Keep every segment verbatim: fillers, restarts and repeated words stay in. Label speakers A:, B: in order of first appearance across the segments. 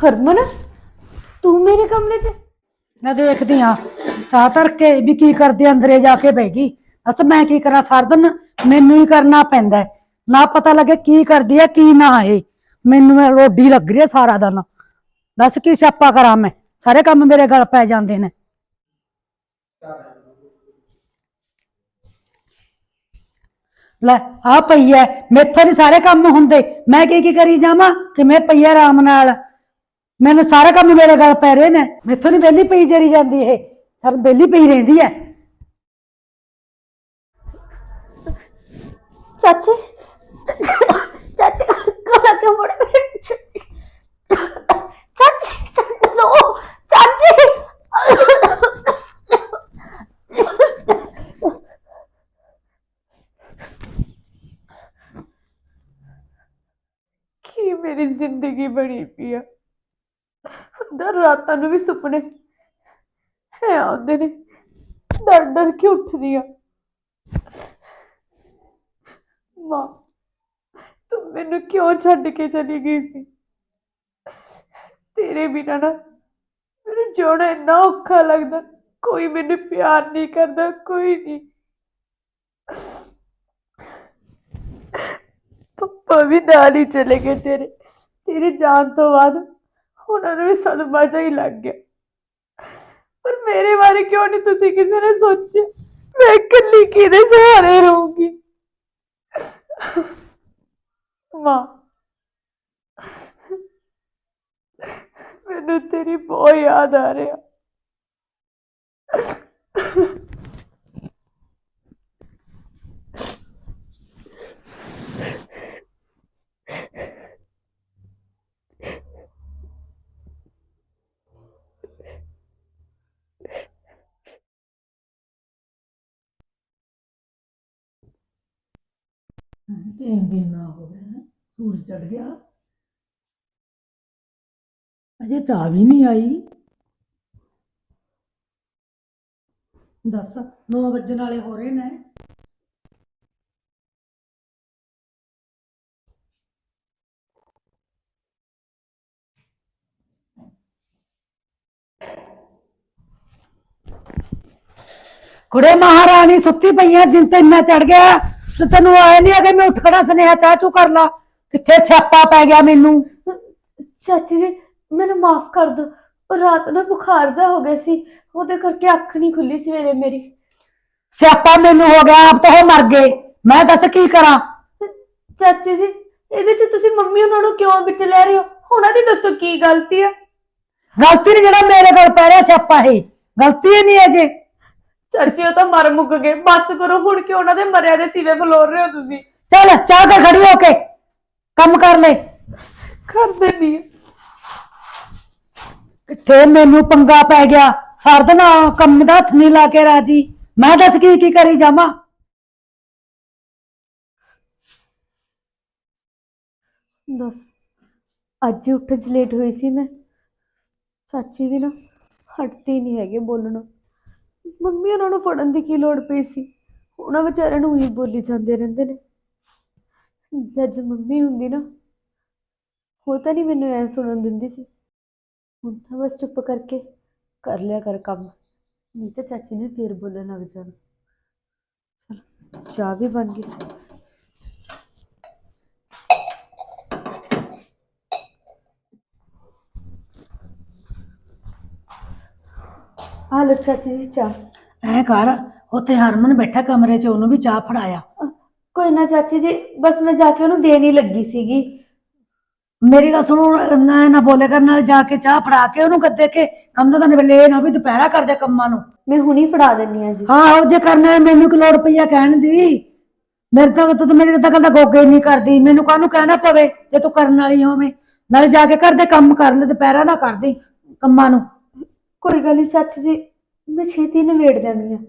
A: हरमन तू मेरे कमरे च
B: मैं देखती हाँ चाह धर के भी की करदी अंदरे जाके बह गई। बस मैं की करा सारा दिन मैनू ही करना पैंदा है, ना पता लगे की करदी है की ना है। मैनू रोडी लग रही है सारा दिन। दस की स्यापा करा मैं, सारे काम मेरे गल पै जांदे ने। ਲੈ ਆ ਪਈ ਐ, ਮੇਥੋਂ ਨੀ ਸਾਰੇ ਕੰਮ ਹੁੰਦੇ, ਮੈਂ ਕੀ ਕੀ ਕਰੀ ਜਾਵਾਂ ਕਿ ਮੈਂ ਪਈ ਆਰਾਮ ਨਾਲ। ਮੈਨੂੰ ਸਾਰੇ ਕੰਮ ਮੇਰੇ ਗਲ ਪੈ ਰਹੇ ਨੇ, ਮੇਥੋਂ ਨੀ ਵਿਹਲੀ ਪਈ ਜਰੀ ਜਾਂਦੀ ਇਹ, ਸਰ ਵਿਹਲੀ ਪਈ ਰਹਿੰਦੀ ਐ।
A: चाची चाची गला क्यों मुड़ चाची नो चाची की मेरी जिंदगी बनी पी है। रातां नूं भी सुपने है आउंदे ने, डर डर के उठदी आ। मां तू मैनू क्यों छड्ड के चली गई सी? तेरे बिना ना मैनू जिउणा इन्ना औखा लगदा, कोई मैनू प्यार नहीं करदा, कोई नहीं। पप्पा भी नाल ही चले गए तेरे तेरी जान तो बाद उन्होंने भी सदमा जा ही लग गया। पर मेरे बारे क्यों नहीं तुसी किसी ने सोचे? मैं कल्ली किहदे सहारे रहूंगी? मां मैनू तेरी बहुत याद आ रही है।
B: तीन दिन ना हो गए, सूरज चढ़ गया, अजे चाह भी नहीं आई। दस नौ बजन वाले हो रहे ने। कुड़े महारानी सुती पई है, दिन तो इन्ना चढ़ गया तो तेन आया नहीं अगर मैं उठ खड़ा स्नेहा चाह चू कर ला, किथे स्यापा पै गया मैनू।
A: चाची जी मैनू माफ कर दो, रात ना बुखार जा हो गया सी, ओदे करके अख नहीं खुली सवेरे मेरी।
B: स्यापा मैनू हो गया, अब तो हो मर गए, मैं दस की करा।
A: चाची जी ਇਹਦੇ ਚ ਤੁਸੀਂ ਮੰਮੀ ਉਹਨਾਂ ਨੂੰ ਕਿਉਂ ਵਿੱਚ ਲੈ ਰਹੇ ਹੋ? ਉਹਨਾਂ ਦੀ ਦੱਸੋ ਕੀ ਗਲਤੀ ਹੈ?
B: गलती नहीं, जरा मेरे गल पै रहा स्यापा है, गलती ही नहीं है जे।
A: ਚਾਚੀ ਉਹ ਤਾਂ ਮਰ ਮੁੱਕ ਗਏ, ਬਸ ਕਰੋ ਹੁਣ ਕਿ ਉਹਨਾਂ ਦੇ ਮਰਿਆ ਦੇ ਸਿਵੇ ਫਲੋਰ ਰਹੇ ਹੋ ਤੁਸੀਂ।
B: चल चाह कर खड़ी होके कम कर ले।
A: ਕਰ ਦੇਣੀ
B: किथे मैनू पंगा पै गया, सारा दिन कम दा हथ नहीं ला के राजी, मैं दस की की करी जावां।
A: ਦੱਸ ਅੱਜ ਹੀ ਉੱਠਣ ਚ ਲੇਟ ਹੋਈ ਸੀ ਮੈਂ। ਚਾਚੀ ਵੀ ਨਾ ਹਟਦੀ ਨਹੀਂ ਹੈਗੇ ਬੋਲਣਾ। ਮੰਮੀ ਉਹਨਾਂ ਨੂੰ ਫੜਨ ਦੀ ਕੀ ਲੋੜ ਪਈ ਸੀ? ਉਹਨਾਂ ਵਿਚਾਰਿਆਂ ਨੂੰ ਹੀ ਬੋਲੀ ਜਾਂਦੇ ਰਹਿੰਦੇ ਨੇ। ਜੱਜ ਮੰਮੀ ਹੁੰਦੀ ਨਾ ਉਹ ਤਾਂ ਨਹੀਂ ਮੈਨੂੰ ਐ ਸੁਣਨ ਦਿੰਦੀ ਸੀ। ਹੁਣ ਤਾਂ ਬਸ ਚੁੱਪ ਕਰਕੇ ਕਰ ਲਿਆ ਕਰ ਕੰਮ, ਨਹੀਂ ਤਾਂ ਚਾਚੀ ਨੇ ਫੇਰ ਬੋਲਣ ਲੱਗ ਜਾਣਾ। ਚਲ ਚਾਹ ਵੀ ਬਣ ਗਈ। हालो चाची जी चाह।
B: ऐ कर उत्थे हरमन बैठा कमरे च, ओनू भी चाह फड़ाया।
A: कोई ना चाची जी, बस मैं जाके ओनू देन ही लगी सीगी।
B: मेरी गल सुनो, ना ना बोले कर, नाल जाके चाह फड़ा के ओनू कर दे के कम तो निबले ना भी दोपहरा कर दे कम्मां नू।
A: मैं हुणी फड़ा देनी हां जी।
B: हाँ हो जे करना है, मैनू की लोड़ पई है कहण दी? मेरे तो तू तो मेरी तो गल गोगे नहीं करदी, मैनू काहनू कहना पवे जे तू करन वाली होवे। नाले जाके घर दे कम कर ले, दोपहरा ना कर दी कम्मां नू।
A: कोई गल नहीं चाची जी, मैं छेती नवेड़ देनी है।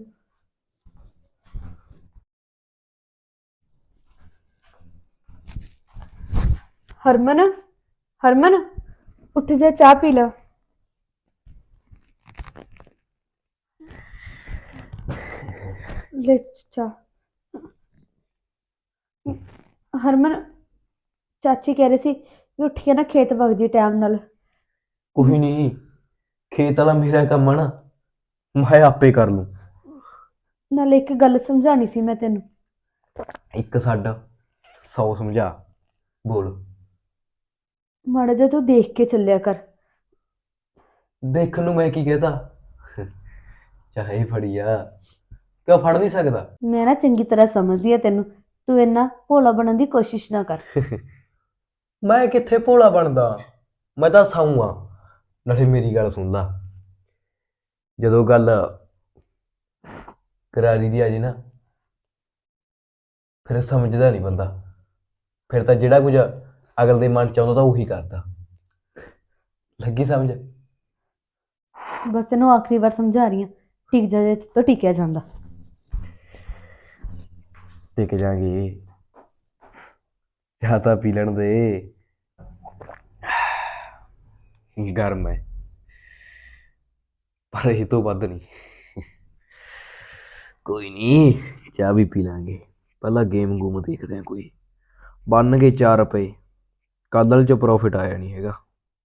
A: हरमन हरमन उठ जा, चाह पी ला। ले चाह। हरमन चाची कह रही सी भी उठ के ना खेत वग जी टाइम नाल,
C: ਕੋਈ ਨਹੀਂ, ਖੇਤ ਵਾਲਾ ਮੇਰਾ ਕੰਮ ਆ ਨਾ, ਮੈਂ ਆਪੇ ਕਰ ਲੂੰ।
A: ਨਾਲੇ ਇੱਕ ਗੱਲ ਸਮਝਾਣੀ ਸੀ ਮੈਂ ਤੈਨੂੰ।
C: ਇੱਕ ਛੱਡ, ਸੌ ਸਮਝਾ। ਬੋਲ।
A: ਮਾੜਾ ਜਿਹਾ ਤੂੰ ਦੇਖ ਕੇ ਚੱਲਿਆ ਕਰ।
C: ਦੇਖਣ ਨੂੰ ਮੈਂ ਕੀ ਕਹਤਾ, ਚਾਹੇ ਫੜੀਆ, ਕਿਉਂ ਫੜ ਨਹੀਂ ਸਕਦਾ?
A: ਮੈਂ ਨਾ ਚੰਗੀ ਤਰ੍ਹਾਂ ਸਮਝਦੀ ਆ ਤੈਨੂੰ, ਤੂੰ ਇੰਨਾ ਭੋਲਾ ਬਣਨ ਦੀ ਕੋਸ਼ਿਸ਼ ਨਾ ਕਰ।
C: ਮੈਂ ਕਿੱਥੇ ਭੋਲਾ ਬਣਦਾ, ਮੈਂ ਤਾਂ ਸਾਊ ਆ। ਨਾਲੇ ਮੇਰੀ ਗੱਲ ਸੁਣ ਲਾ, ਜਦੋਂ ਗੱਲ ਕਰਾਰੀ ਦੀ ਆ ਜੇ ਨਾ, ਫਿਰ ਸਮਝਦਾ ਨਹੀਂ ਬੰਦਾ, ਫਿਰ ਤਾਂ ਜਿਹੜਾ ਕੁਝ ਅਗਲ ਦੇ ਮਨ ਚ ਆਉਂਦਾ ਤਾਂ ਉਹੀ ਕਰਦਾ। ਲੱਗੀ ਸਮਝ?
A: ਬਸ ਤੈਨੂੰ ਆਖਰੀ ਵਾਰ ਸਮਝਾ ਰਹੀ ਹਾਂ, ਟਿਕ ਜਾ ਜੇ ਤੋਂ ਟਿਕਿਆ ਜਾਂਦਾ।
C: ਟਿਕ ਜਾਗੇ, ਚਾਹ ਤਾਂ ਪੀ ਲੈਣ ਦੇ, ਗਰਮ ਹੈ ਪਰ ਇਹ ਤੋਂ ਵੱਧ ਨਹੀਂ। ਕੋਈ ਨਹੀਂ, ਚਾਹ ਵੀ ਪੀ ਲਾਂਗੇ, ਪਹਿਲਾਂ ਗੇਮ ਗੂਮ ਦੇਖਦੇ ਆ ਕੋਈ। ਬਣ ਗਏ ਚਾਰ ਰੁਪਏ, ਕੱਲ੍ਹ ਚ ਪ੍ਰੋਫਿਟ ਆਇਆ ਨਹੀਂ ਹੈਗਾ।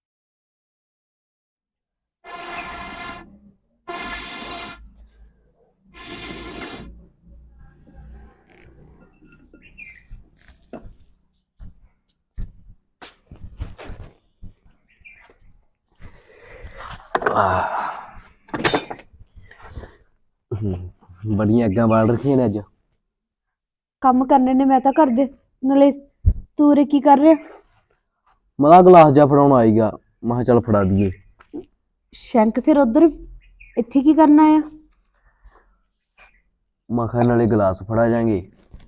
C: ਹੂੰ, ਬੜੀਆਂ ਅੱਗਾਂ ਬਾਲ ਰੱਖੀਆਂ ਨੇ ਅੱਜ।
A: ਕੰਮ ਕਰਨੇ ਨੇ ਮੈਂ ਤਾਂ ਘਰ ਦੇ, ਨਾਲੇ ਤੂੰ ਉਰੇ ਕੀ ਕਰ ਰਿਹਾ?
C: ਮੈਂ ਤਾਂ ਗਲਾਸ ਜਿਹਾ ਫੜਾਉਣ ਆਈਗਾ, ਮੈਂ ਕਿਹਾ ਚੱਲ ਫੜਾ ਦਈਏ।
A: ਸ਼ੈਂਕ ਫਿਰ ਉਧਰ, ਇੱਥੇ ਕੀ ਕਰਨਾ ਆ?
C: ਮੈਂ ਕਿਹਾ ਨਾਲੇ ਗਲਾਸ ਫੜਾ ਜਾਾਂਗੇ,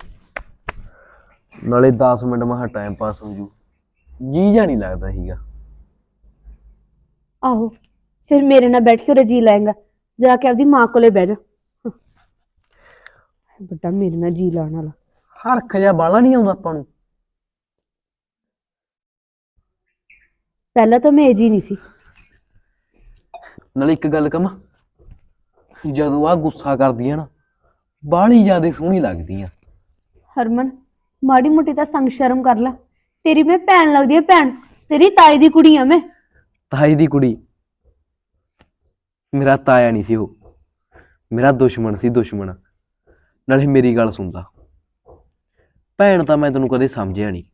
C: ਨਾਲੇ ਦਸ ਮਿੰਟ ਮੈਂ ਕਿਹਾ ਟਾਈਮ ਪਾਸ ਹੋ ਜੂ, ਜੀ ਜਾ ਨਹੀਂ ਲੱਗਦਾ ਸੀਗਾ।
A: ਆਹੋ, ਫਿਰ ਮੇਰੇ ਨਾਲ ਬੈਠ ਕੇ ਉਰੇ ਜੀ ਲਾਏਗਾ, ਜਾ ਕੇ ਆਪਦੀ ਮਾਂ ਕੋਲੇ ਬਹਿ ਜਾ। ਵੱਡਾ ਮੇਰੇ ਨਾਲ ਜੀ ਲਾਉਣ ਵਾਲਾ।
C: ਹਰਖ ਜਿਹਾ ਬਾਲਾ ਨਹੀਂ ਆਉਂਦਾ ਆਪਾਂ ਨੂੰ।
A: ਪਹਿਲਾਂ ਤਾਂ ਮੈਂ ਇਹ ਜੀ ਨਹੀਂ ਸੀ।
C: ਨਾਲੇ ਇੱਕ ਗੱਲ ਕਹਾਂ, ਜਦੋਂ ਆ ਗੁੱਸਾ ਕਰਦੀ ਆ ਨਾ, ਬਾਹਲੀ ਜ਼ਿਆਦਾ ਸੋਹਣੀ ਲੱਗਦੀ ਆ।
A: ਹਰਮਨ, ਮਾੜੀ ਮੋਟੀ ਤਾਂ ਸੰਗ ਸ਼ਰਮ ਕਰ ਲੈ, ਤੇਰੀ ਮੈਂ ਭੈਣ ਲੱਗਦੀ ਆ, ਭੈਣ, ਤੇਰੀ ਤਾਈ ਦੀ ਕੁੜੀ ਆ ਮੈਂ।
C: ਤਾਈ ਦੀ ਕੁੜੀ? ਮੇਰਾ ਤਾਇਆ ਨਹੀਂ ਸੀ ਉਹ, ਮੇਰਾ ਦੁਸ਼ਮਣ ਸੀ, ਦੁਸ਼ਮਣ। ਨਾਲੇ ਮੇਰੀ ਗੱਲ ਸੁਣਦਾ, ਭੈਣ ਤਾਂ ਮੈਂ ਤੈਨੂੰ ਕਦੇ ਸਮਝਿਆ ਨਹੀਂ,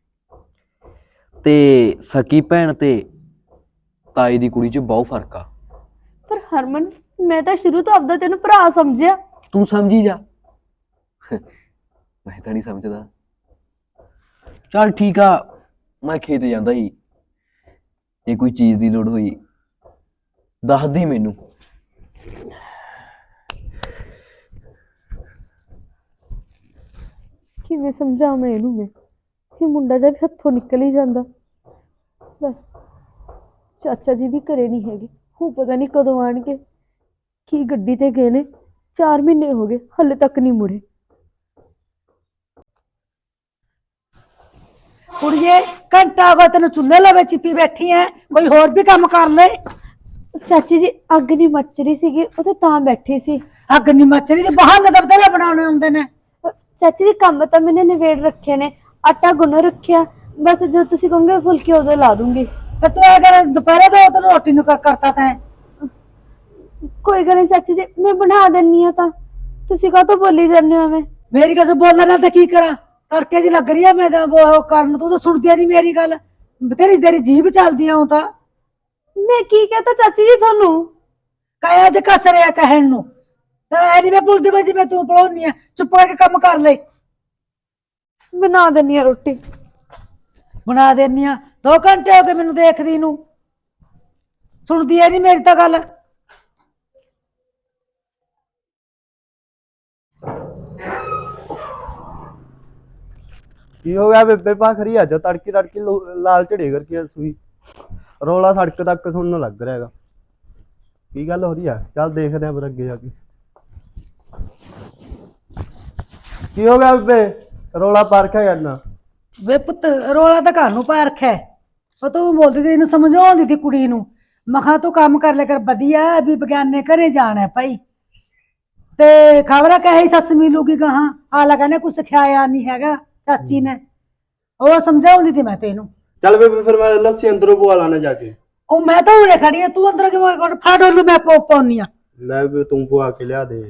C: ਤੇ ਸਕੀ ਭੈਣ ਤੇ ਤਾਈ ਦੀ ਕੁੜੀ 'ਚ ਬਹੁਤ ਫਰਕ ਆ।
A: ਪਰ ਹਰਮਨ, ਮੈਂ ਤਾਂ ਸ਼ੁਰੂ ਤੋਂ ਆਪਦਾ ਤੈਨੂੰ ਭਰਾ ਸਮਝਿਆ।
C: ਤੂੰ ਸਮਝੀ ਜਾ, ਮੈਂ ਤਾਂ ਨਹੀਂ ਸਮਝਦਾ। ਚੱਲ ਠੀਕ ਆ, ਮੈਂ ਖੇਤ ਜਾਂਦਾ ਸੀ, ਜੇ ਕੋਈ ਚੀਜ਼ ਦੀ ਲੋੜ ਹੋਈ ਦੱਸ ਦੇ ਮੈਨੂੰ।
A: ਕਿਵੇਂ ਸਮਝਾਵਾਂ ਇਹਨੂੰ ਮੈਂ, ਕਿ ਮੁੰਡਾ ਜਦ ਹੱਥੋਂ ਨਿਕਲ ਹੀ ਜਾਂਦਾ। ਬਸ ਚਾਚਾ ਜੀ ਵੀ ਘਰੇ ਨਹੀਂ ਹੈਗੇ, ਉਹ ਪਤਾ ਨਹੀਂ ਕਦੋਂ ਆਣਗੇ। ਕੀ ਗੱਡੀ ਤੇ ਗਏ ਨੇ, ਚਾਰ ਮਹੀਨੇ ਹੋ ਗਏ ਹਲੇ ਤੱਕ ਨਹੀਂ ਮੁੜੇ।
B: ਕੁੜੀਏ, ਘੰਟਾ ਹੋ ਗਿਆ ਤੈਨੂੰ ਚੁੱਲ੍ਹੇ ਲਵੇ ਚਿੱਪੀ ਬੈਠੀ ਐ, ਕੋਈ ਹੋਰ ਵੀ ਕੰਮ ਕਰ ਲੈ।
A: ਚਾਚੀ ਜੀ, ਅੱਗ ਨਹੀਂ ਮੱਚ ਰਹੀ ਸੀਗੀ, ਉਹ ਤਾਂ ਤਾਂ ਬੈਠੀ ਸੀ।
B: ਅੱਗ ਨੀ ਮੱਚਦੀ ਤੇ ਬਹਾਨੇ ਤਾਂ ਬਥੇਰੇ ਬਣਾਉਣੇ ਹੁੰਦੇ ਨੇ।
A: ਚਾਚੀ ਜੀ, ਕੰਮ ਤਾਂ ਮੈंने ਨਿਬੇੜ ਰੱਖੇ ਨੇ, ਆਟਾ ਗੁੰਨ ਰੱਖਿਆ, ਬਸ ਜਦੋਂ ਤੁਸੀਂ ਕਹੋਗੇ ਫੁਲਕੇ ਉਦੋਂ ਲਾ ਦੂੰਗੀ।
B: ਤੇ ਤੂੰ ਇਹ ਕਰ, ਦੁਪਹਿਰੇ ਤੋਂ ਤੈਨੂੰ ਰੋਟੀ ਨੂੰ ਕਰ ਕਰਤਾ ਤੈਂ।
A: ਕੋਈ ਗੱਲ ਨਹੀਂ ਚਾਚੀ ਜੀ, ਮੈਂ ਬਣਾ ਦਿੰਨੀ ਆ, ਤਾਂ ਤੁਸੀਂ ਕਾਹਤੋਂ ਬੋਲੀ ਜਾਂਦੇ ਹੋ? ਮੈਂ
B: ਮੇਰੀ ਗੱਲ ਬੋਲਣ ਨਾਲ ਤਾਂ ਕੀ ਕਰਾਂ, ਤੜਕੇ ਦੀ ਲੱਗ ਰਹੀ ਆ ਮੈਂ ਤਾਂ ਉਹ ਕਰਨ, ਤੂੰ ਤਾਂ ਸੁਣਦੀ ਨਹੀਂ ਮੇਰੀ ਗੱਲ, ਤੇਰੀ ਤੇਰੀ ਜੀਭ ਚੱਲਦੀ ਆ। ਉਹ ਤਾਂ
A: ਮੈਂ ਕੀ ਕਹਤਾ ਚਾਚੀ ਜੀ ਤੁਹਾਨੂੰ?
B: ਕਾਇਆ ਜੇ ਕਸ ਰਿਹਾ ਕਹਿਣ ਨੂੰ, ਐ ਨੀ ਮੈਂ ਭੁੱਲਦੀ ਮੈਂ ਜਿਵੇਂ ਤੂੰ ਪੜਾਉਣੀ ਆ। ਚੁੱਪ ਕਰਕੇ ਕੰਮ ਕਰ ਲੈ।
A: ਬਣਾ ਦਿੰਨੀ ਆ ਰੋਟੀ।
B: ਬਣਾ ਦੇਨੀ ਆ, ਦੋ ਘੰਟੇ ਹੋ ਗਏ ਮੈਨੂੰ ਦੇਖਦੀ ਨੂੰ, ਸੁਣਦੀ ਐ ਨੀ ਮੇਰੀ ਤਾਂ ਗੱਲ।
D: ਕੀ ਹੋ ਗਿਆ ਬੇਬੇ ਭਾਖਰੀ? ਅੱਜ ਤੜਕੀ ਤੜਕੀ ਲੋ- ਲਾਲ ਝੜੇ ਕਰਕੇ ਸੂਈ ਰੌਲਾ ਸੜਕ ਤੱਕ ਸੁਣਨ ਲੱਗ ਰਿਹਾ ਹੈਗਾ। ਕੀ ਗੱਲ ਹੋ ਰਹੀ ਆ? ਚੱਲ ਦੇਖਦੇ ਆਂ ਫਿਰ ਅੱਗੇ ਜਾ ਕੇ। ਕੀ ਹੋ ਗਿਆ ਬੇਬੇ, ਰੌਲਾ ਪਾ ਰੱਖਿਆ ਕਰਨਾ?
B: ਵੇ ਪੁੱਤ, ਰੋਲਾ ਤਾਂ ਘਰ ਨੂੰ ਪਾ ਰੱਖਿਆ, ਉਹ ਤੂੰ ਬੋਲਦੀ ਤੇ ਇਹਨੂੰ ਸਮਝਾਉਂਦੀ ਤੀ ਕੁੜੀ ਨੂੰ, ਮਖਾ ਤੂੰ ਕੰਮ ਕਰ ਲੈ ਕਰ, ਵਧੀਆ ਵੀ ਬਗਿਆਨੇ ਘਰੇ ਜਾਣਾ ਭਾਈ, ਤੇ ਖਬਰ ਕਹੇ ਸੱਸ ਮਿਲੂਗੀ ਗਾਹਾਂ, ਆਲਾ ਕਹਿੰਦੇ ਕੁਛ ਸਿਖਾਇਆ ਨਹੀਂ ਹੈਗਾ ਚਾਚੀ ਨੇ, ਉਹ ਸਮਝਾਉਂਦੀ ਤੀ ਮੈਂ ਤੈਨੂੰ।
D: ਚੱਲ ਬੇਬੇ ਫਿਰ ਮੈਂ ਲੱਸੀ ਅੰਦਰੋਂ ਪਵਾ ਲਾਣਾ ਜਾ ਕੇ।
B: ਉਹ ਮੈਂ ਤਾਂ ਉਰੇ ਖੜੀ ਆ, ਤੂੰ ਅੰਦਰ ਕਿਵੇਂ ਕੋਲ ਫੜ ਉਹਨੂੰ, ਮੈਂ ਪੋ ਪਾਉਣੀ ਆ।
D: ਲੈ ਵੀ ਤੂੰ ਪਵਾ ਕੇ ਲਿਆ ਦੇ।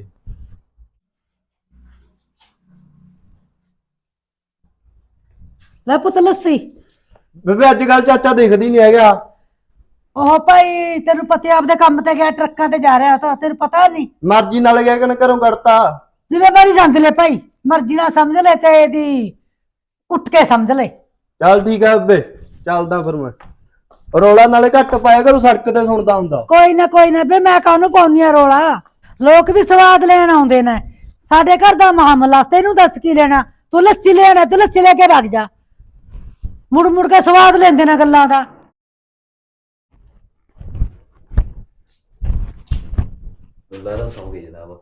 B: ਲੈ ਪੁੱਤ ਲੱਸੀ।
D: ਬੇਬੇ ਅੱਜ ਕੱਲ ਚਾਚਾ ਦਿਖਦੀ ਨਹੀਂ ਹੈਗਾ।
B: ਉਹ ਭਾਈ ਤੈਨੂੰ ਪਤਾ ਆਪਦੇ ਕੰਮ ਤੇ ਗਿਆ, ਟਰੱਕਾਂ ਤੇ ਜਾ ਰਿਹਾ ਤਾਂ ਤੈਨੂੰ ਪਤਾ ਨਹੀਂ।
D: ਮਰਜ਼ੀ ਨਾਲ ਗਿਆ ਕਿ ਨਾ ਘਰੋਂ ਕੱਢਤਾ।
B: ਜ਼ਿੰਮੇਵਾਰੀ ਸਮਝ ਲੈ ਭਾਈ, ਮਰਜ਼ੀ ਨਾਲ ਸਮਝ ਲੈ, ਚਾਹੇ ਇਹਦੀ ਉੱਠ ਕੇ ਸਮਝ ਲੈ।
D: ਚੱਲ ਠੀਕ ਹੈ ਬੇਬੇ, ਚੱਲਦਾ ਫਿਰ ਮੈਂ। ਰੌਲਾ ਨਾਲੇ ਘੱਟ ਪਾਇਆ ਕਰੋ, ਸੜਕ ਤੇ ਸੁਣਦਾ ਹੁੰਦਾ।
B: ਕੋਈ ਨਾ ਕੋਈ ਨਾ ਬੇ, ਮੈਂ ਕਾਹਨੂੰ ਪਾਉਣੀ ਆ ਰੋਲਾ, ਲੋਕ ਵੀ ਸਵਾਦ ਲੈਣ ਆਉਂਦੇ ਨੇ। ਸਾਡੇ ਘਰ ਦਾ ਮਾਮਲਾ, ਤੈਨੂੰ ਦੱਸ ਕੀ ਲੈਣਾ, ਤੂੰ ਲੱਸੀ ਲੈਣਾ ਤੂੰ ਲੱਸੀ ਲੈ ਕੇ ਵਗ ਜਾ, ਮੁੜ ਮੁੜ ਕੇ ਸਵਾਦ ਲੈਂਦੇ ਨੇ ਗੱਲਾਂ ਦਾ।
C: ਲੱਗਦਾ ਸੌਂ ਗਏ ਜਨਾਬ।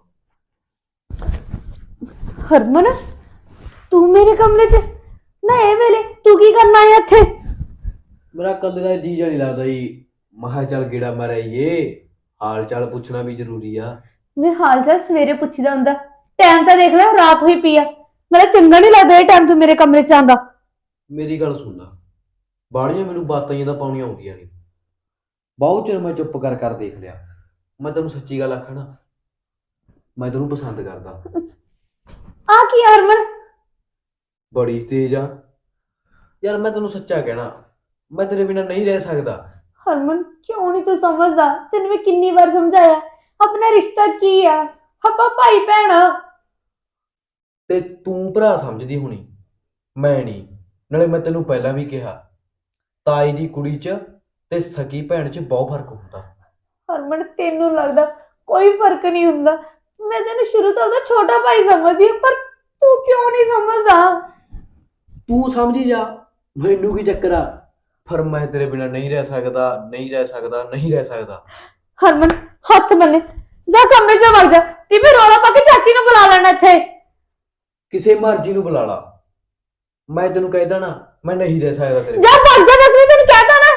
A: ਹਰਮਨ, ਤੂੰ ਮੇਰੇ ਕਮਰੇ 'ਚ ਨਾ ਇਹ ਵੇਲੇ ਤੂੰ ਕੀ ਕਰਨਾ ਹੈ ਇੱਥੇ?
C: ਮੇਰਾ ਕੱਲੇ ਦਾ ਜੀ ਜਾ ਨਹੀਂ ਲੱਗਦਾ ਜੀ, ਮਹਾ ਚੱਲ ਗੇੜਾ ਮਾਰਿਏ, ਹਾਲ ਚਾਲ ਪੁੱਛਣਾ ਵੀ ਜ਼ਰੂਰੀ ਆ।
A: ਵੇ ਹਾਲ ਚਾਲ ਸਵੇਰੇ ਪੁੱਛੀਦਾ ਹੁੰਦਾ, ਟਾਈਮ ਤਾਂ ਦੇਖ ਲੈ, ਰਾਤ ਹੋਈ ਪਈ ਆ। ਮੇਰਾ ਚੰਗਾ ਨਹੀਂ ਲੱਗਦਾ ਇਹ ਟਾਈਮ ਤੂੰ ਮੇਰੇ ਕਮਰੇ 'ਚ ਆਂਦਾ।
C: ਮੇਰੀ ਗੱਲ ਸੁਣ ਲਾ, ਬਾੜੀਆਂ ਮੈਨੂੰ ਬਾਤਾਂ ਜਿਹੀਆਂ ਤਾਂ ਪਾਉਣੀਆਂ ਆਉਂਦੀਆਂ ਨੇ। ਬਹੁਤ ਚਿਰ ਮੈਂ ਚੁੱਪ ਕਰ ਕਰ ਦੇਖ ਲਿਆ। ਮੈਂ ਤੈਨੂੰ ਸੱਚੀ ਗੱਲ ਆਖਾਂ ਨਾ, ਮੈਂ ਤੈਨੂੰ ਪਸੰਦ ਕਰਦਾ।
A: ਆ ਕੀ ਆ ਹਰਮਨ?
C: ਬੜੀ ਤੇਜ਼ ਆ ਯਾਰ, ਮੈਂ ਤੈਨੂੰ ਸੱਚਾ ਕਹਿਣਾ, ਮੈਂ ਤੇਰੇ ਬਿਨਾਂ ਨਹੀਂ ਰਹਿ ਸਕਦਾ।
A: ਹਰਮਨ ਕਿਉਂ ਨਹੀਂ ਤੂੰ ਸਮਝਦਾ? ਤੈਨੂੰ ਮੈਂ ਕਿੰਨੀ ਵਾਰ ਸਮਝਾਇਆ, ਆਪਣਾ ਰਿਸ਼ਤਾ ਕੀ ਆ, ਆਪਾਂ ਭਾਈ ਭੈਣ ਆ।
C: ਤੇ ਤੂੰ ਭਰਾ ਸਮਝਦੀ ਹੋਣੀ, ਮੈਂ ਨਹੀਂ। ਨਾਲੇ ਮੈਂ ਤੈਨੂੰ ਪਹਿਲਾਂ ਵੀ ਕਿਹਾ, ਤਾਈ ਦੀ ਕੁੜੀ 'ਚ ਤੇ ਸਕੀ ਭੈਣ 'ਚ ਬਹੁਤ ਫਰਕ ਹੁੰਦਾ।
A: ਹਰਮਨ ਤੈਨੂੰ ਲੱਗਦਾ ਕੋਈ ਫਰਕ ਨਹੀਂ ਹੁੰਦਾ। ਮੈਂ ਤੈਨੂੰ ਸ਼ੁਰੂ ਤੋਂ ਉਹਦਾ ਛੋਟਾ ਭਾਈ ਸਮਝਦੀ ਹਾਂ, ਪਰ ਤੂੰ ਕਿਉਂ ਨਹੀਂ ਸਮਝਦਾ?
C: ਤੂੰ ਸਮਝੀ ਜਾ, ਮੈਨੂੰ ਕੀ ਚੱਕਰ ਆ, ਪਰ ਮੈਂ ਤੇਰੇ ਬਿਨਾਂ ਨਹੀਂ ਰਹਿ ਸਕਦਾ, ਨਹੀਂ ਰਹਿ ਸਕਦਾ, ਨਹੀਂ ਰਹਿ ਸਕਦਾ।
A: ਹਰਮਨ ਹੱਥ ਬੰਨੇ, ਜਾ ਕਮਰੇ 'ਚ ਵਗ ਜਾ, ਤੇ ਮੈਂ ਰੌਲਾ ਪਾ ਕੇ ਚਾਚੀ ਨੂੰ ਬੁਲਾ ਲੈਣਾ ਇੱਥੇ।
C: ਕਿਸੇ ਮਰਜ਼ੀ ਨੂੰ ਬੁਲਾ ਲਾ, ਮੈਂ ਤੈਨੂੰ ਕਹਿਦਾ ਨਾ, ਮੈਂ ਨਹੀਂ ਰਹਿ ਸਕਦਾ ਤੇਰੇ
A: ਜਾ ਭੱਜ ਜਾ, ਦੱਸ ਵੀ ਤੈਨੂੰ ਕਹਿਤਾ ਨਾ।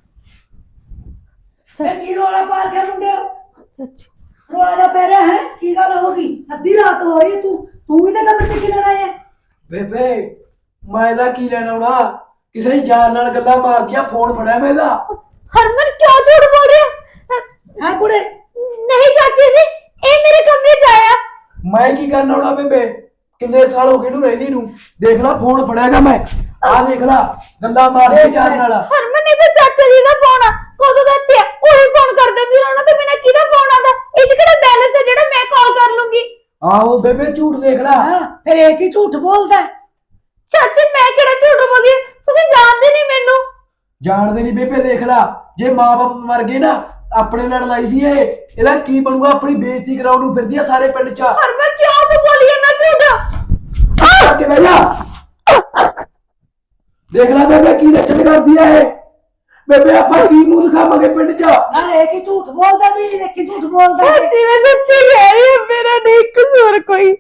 B: ਕੀ ਰੋਲਾ ਪਾ ਕੇ ਮੁੰਡਿਆ, ਰੋਲਾ ਦਾ ਪੈ ਰਿਹਾ ਹੈ, ਕੀ ਗੱਲ ਹੋ ਗਈ? ਅੱਧੀ ਰਾਤ ਹੋ ਰਹੀ, ਤੂੰ ਤੂੰ ਵੀ ਤਾਂ ਕਮਰੇ 'ਚ ਕੀ ਲੈਣਾ ਹੈ?
C: ਬੇਬੇ ਮੈਂ ਇਹਦਾ ਕੀ ਲੈਣਾ ਹੋਣਾ, ਕਿਸੇ ਯਾਰ ਨਾਲ ਗੱਲਾਂ ਮਾਰਦੀਆਂ, ਫੋਨ ਫੜਿਆ ਮੈਂ ਇਹਦਾ।
A: ਹਰਮਨ ਕਿਉਂ ਝੂਠ ਬੋਲ ਰਿਹਾ
B: ਹੈ ਕੁੜੇ?
A: ਨਹੀਂ ਚਾਚੀ ਜੀ, ਇਹ ਮੇਰੇ ਕਮਰੇ 'ਚ ਆਇਆ।
C: ਮੈਂ ਕੀ ਕਰਨਾ ਹੋਣਾ ਬੇਬੇ, ਕਿੰਨੇ ਸਾਲ ਹੋ ਗਏ ਇਹਨੂੰ ਰਹਿੰਦੀ ਨੂੰ, ਦੇਖ ਲੈ ਫੋਨ ਫੜਿਆਗਾ ਮੈਂ, ਆਹ ਦੇਖ ਲੈ ਗੱਲਾਂ ਮਾਰਦੇ ਯਾਰ ਨਾਲ।
A: ਹਰਮਨ ਇਹ ਤਾਂ ਚਾਚਾ ਜੀ ਦਾ ਫੋਨ ਆ, ਕਦੋਂ ਦਾ ਇੱਥੇ ਆ, ਉਹੀ ਫੋਨ ਕਰ ਦਿੰਦੀ, ਉਹਨਾਂ ਤੋਂ ਬਿਨਾਂ ਕਿਹਦਾ ਫੋਨ ਆਉਂਦਾ? ਇਹ 'ਚ ਕਿਹੜਾ ਬੈਲੈਂਸ ਹੈ ਜਿਹੜਾ ਮੈਂ ਕਾਲ ਕਰ ਲੂੰਗੀ?
C: ਆਹੋ ਬੇਬੇ ਝੂਠ ਦੇਖ ਲੈ।
B: ਹਾਂ ਫਿਰ ਇਹ ਕੀ ਝੂਠ ਬੋਲਦਾ?
A: ਚਾਚੀ ਮੈਂ ਕਿਹੜਾ ਝੂਠ ਬੋਲਦੀ, ਤੁਸੀਂ ਜਾਣਦੇ ਨਹੀਂ ਮੈਨੂੰ।
C: ਜਾਣਦੇ ਨਹੀਂ ਬੇਬੇ, ਦੇਖ ਲੈ ਜੇ ਮਾਂ-ਬਾਪ ਮਰ ਗਏ ਨਾ, ਆਪਣੇ ਨਾਲ ਲੜਾਈ ਸੀ ਇਹ, ਇਹਦਾ ਕੀ ਬਣੂਗਾ? ਆਪਣੀ ਬੇਇੱਜ਼ਤੀ ਕਰਾਉਣ ਨੂੰ ਫਿਰਦੀ ਆ ਸਾਰੇ ਪਿੰਡ 'ਚ।
A: ਹਰਮਨ ਕਿਉਂ ਤੂੰ ਬੋਲੀ ਜਾਂਦਾ ਝੂਠ?
C: ਕੇ ਬਹਿ ਜਾ, ਦੇਖ ਲੈ ਬੇਬੇ ਕੀ ਲੱਛਣ ਕਰਦੀ ਆ ਇਹ। ਬੇਬੇ ਆਪਾਂ ਕੀ ਮੂੰਹ ਦਿਖਾਵਾਂਗੇ ਪਿੰਡ 'ਚ?
B: ਨਾ ਇਹ ਕੀ ਝੂਠ ਬੋਲਦਾ ਵੀ, ਇਹ ਕੀ ਝੂਠ ਬੋਲਦਾ ਹੈ?
A: ਚਾਚੀ ਮੈਂ ਸੱਚੀ ਕਹਿ ਰਹੀ ਹਾਂ, ਮੇਰਾ ਨਹੀਂ ਕਸੂਰ ਕੋਈ।